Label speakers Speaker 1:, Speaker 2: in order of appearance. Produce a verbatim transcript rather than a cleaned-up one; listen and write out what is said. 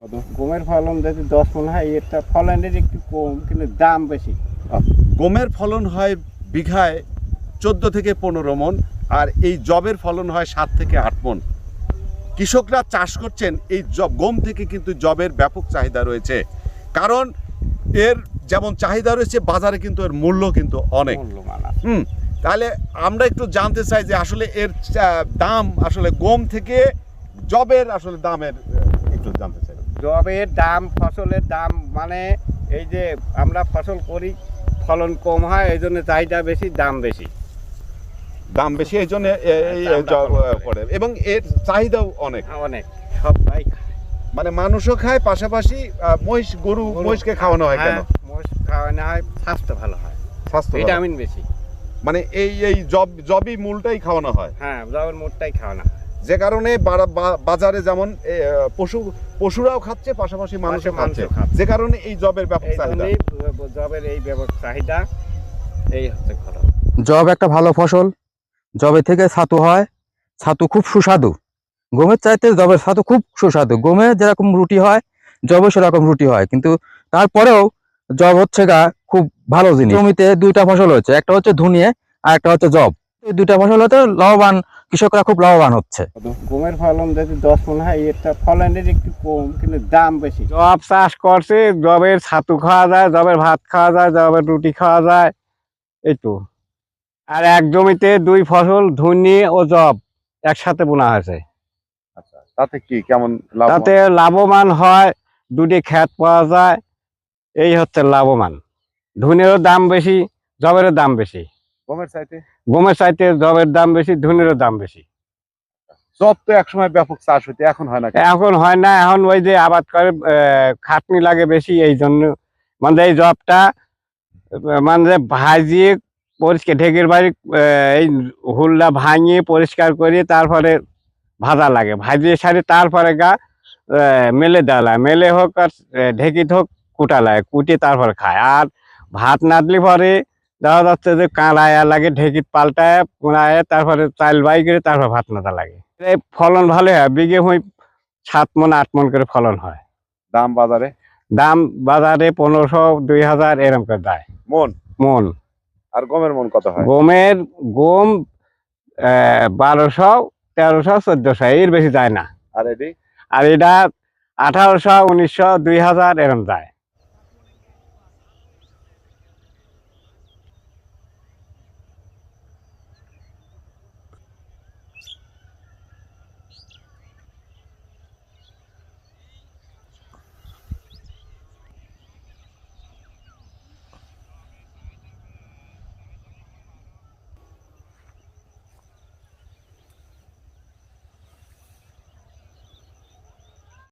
Speaker 1: গমের ফলন যদি দশ মন হয়, এটা ফলনের একটু কম, কিন্তু দাম বেশি।
Speaker 2: গমের ফলন হয় বিঘায় চোদ্দ থেকে পনেরো মন, আর এই জবের ফলন হয় সাত থেকে আট মন। কৃষকরা চাষ করছেন এই জব গম থেকে, কিন্তু জবের ব্যাপক চাহিদা রয়েছে। কারণ এর যেমন চাহিদা রয়েছে, বাজারে কিন্তু এর মূল্য কিন্তু অনেক। হুম তাহলে আমরা একটু জানতে চাই যে আসলে এর দাম, আসলে গম থেকে জবের আসলে দামের একটু জানতে চাই।
Speaker 1: জবের দাম, ফসলের দাম, মানে এই যে আমরা ফসল করি, ফলন কম হয়, এই জন্য চাহিদা বেশি, দাম বেশি।
Speaker 2: দাম বেশি এই জন্য এই জব পড়ে, এবং এর চাহিদাও অনেক
Speaker 1: অনেক সবাই খায়,
Speaker 2: মানে মানুষও খায়, পাশাপাশি মহিষ গরু মহিষকে খাওয়ানো হয়। কেন
Speaker 1: মহিষ খাওয়ানো হয়? স্বাস্থ্য ভালো হয়,
Speaker 2: স্বাস্থ্য
Speaker 1: ভিটামিন বেশি।
Speaker 2: মানে এই এই জব জবই মূলটাই খাওয়ানো হয়।
Speaker 1: হ্যাঁ, জবের মূলটাই খাওয়ানো হয়,
Speaker 2: যে কারণে বাজারে যেমন পশু পশুরাও খাচ্ছে, পাশাপাশি মানুষও খাচ্ছে, যে কারণে এই জবের ব্যাপক চাহিদা।
Speaker 1: জবের এই ব্যাপক চাহিদা, এই হচ্ছে খরচ।
Speaker 3: জব একটা ভালো ফসল। জবে থেকে ছাতু হয়, ছাতু খুব সুস্বাদু। গমের চাইতে জবের ছাতু খুব সুস্বাদু। গমে যেরকম রুটি হয়, জবে সেরকম রুটি হয়, কিন্তু তারপরেও জব হচ্ছে গা খুব ভালো জিনিস। জমিতে দুইটা ফসল হচ্ছে, একটা হচ্ছে ধুনিয়ে আর একটা হচ্ছে জব। এই দুইটা ফসল হতে লাভবান, কৃষকরা খুব লাভবান হচ্ছে।
Speaker 1: গমের ফলন যদি দশ মন হয়, এটা ফলনের একটু কম, কিন্তু দাম বেশি। জব চাষ করছে, জবের ছাতু খাওয়া যায়, জবের ভাত খাওয়া যায়, জবের রুটি খাওয়া যায়, এই তো। আর এক জমিতে দুই ফসল, ধুনি ও জব একসাথে বোনা হয়েছে।
Speaker 2: আচ্ছা, তাতে কি কেমন লাভ?
Speaker 1: তাতে লাভবান হয়, দুটি ক্ষেত পাওয়া যায়, এই হচ্ছে লাভবান। ধুনেরও দাম বেশি, জবেরও দাম বেশি।
Speaker 2: গমের চাইতে
Speaker 1: গমের চাইতে জবের দাম বেশি, ধুনেরও দাম বেশি।
Speaker 2: জব তো একসময় ব্যাপক চাষ হইতে, এখন হয় না।
Speaker 1: এখন হয় না, এখন ওই যে আবাদ করে খাটনি লাগে বেশি, এই জন্য মানে এই জবটা মানে ভাজিয়ে পরিষ্কার, ঢেকের বাড়ি এই হুলটা ভাঙিয়ে পরিষ্কার করে তারপরে ভাজা লাগে, ভাজিয়ে সারি তারপরে গা মেলে দেওয়া লাগে, মেলে হোক আর ঢেকিত হোক কুটা লাগে, কুটে তারপরে খায়। আর ভাত নাদলি পরে দেখা যাচ্ছে যে কাঁড়ায়া লাগে, ঢেকিত পাল্টায় পুড়ায়, তারপরে চাল বাই করে তারপর ভাত নাদা লাগে। এই ফলন ভালো হয়, বিঘে হই সাত মন আট মন করে ফলন হয়।
Speaker 2: দাম বাজারে?
Speaker 1: দাম বাজারে পনেরোশো দুই হাজার এরম করে দেয়
Speaker 2: মন
Speaker 1: মন।
Speaker 2: আর গমের মন কত হয়?
Speaker 1: গমের গম বারোশো তেরোশো চোদ্দশো, এর বেশি যায় না।
Speaker 2: আর এটি
Speaker 1: আর এটা আঠারোশো উনিশশো দুই হাজার এরম যায়।